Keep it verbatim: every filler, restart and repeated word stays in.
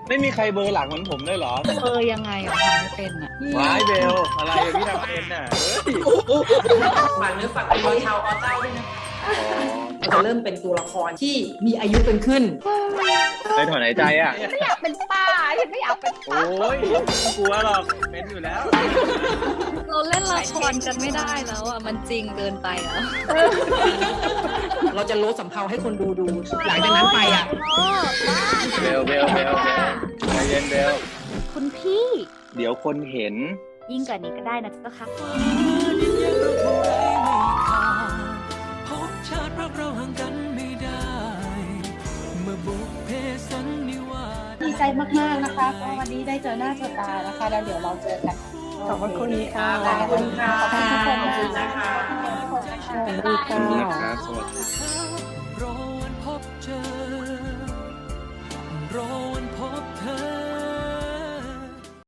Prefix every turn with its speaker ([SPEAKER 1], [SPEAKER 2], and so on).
[SPEAKER 1] ไม่มีใครเบอร์หลังเหมือนผมเลยเหรอ
[SPEAKER 2] เออยังไงอ่ะทำไม่เป็นอ่ะ
[SPEAKER 1] ว้ายเบลอะไรพี่ทำเป็นน่ะ
[SPEAKER 3] ฝากเนื้อฝากตัวชาวอเจ้าด้วยนะจะเริ่มเป็นตัวละครที่มีอายุเป็นขึ้น
[SPEAKER 1] ไปถอนหายใจอ่ะ
[SPEAKER 2] ไม่อยากเป็นป้าฉันไม่อยากเป็นป้า
[SPEAKER 1] โอ้ยไม่กลัวหรอกเป็นอยู่แล้ว
[SPEAKER 2] เราเล่นละครกันไม่ได้แล้วอ่ะมันจริงเกินไปแล้ว
[SPEAKER 3] เราจะโลดสำเภาให้คนดูดูหลังจากนั้นไปอ่ะ
[SPEAKER 1] เบลเบลเบลเบลใจเย็นเบล
[SPEAKER 2] คุณพี่
[SPEAKER 1] เดี๋ยวคนเห็น
[SPEAKER 2] ยิ่งกว่านี้ก็ได้นะเจ้าค่ะ
[SPEAKER 4] ดีใจมากๆนะคะก็วันนี้ได้เจอหน้าเจอตานะคะแล้วเดี๋ยวเราเจอกัน
[SPEAKER 3] ขอบคุณค่ะ
[SPEAKER 4] ขอบคุณค่ะขอบคุณทุกคน
[SPEAKER 3] นะคะ
[SPEAKER 4] สวัสดีค่ะ
[SPEAKER 1] สวัสดีครับสวัสดี
[SPEAKER 5] รอวันพบเธอรอวันพบเธอ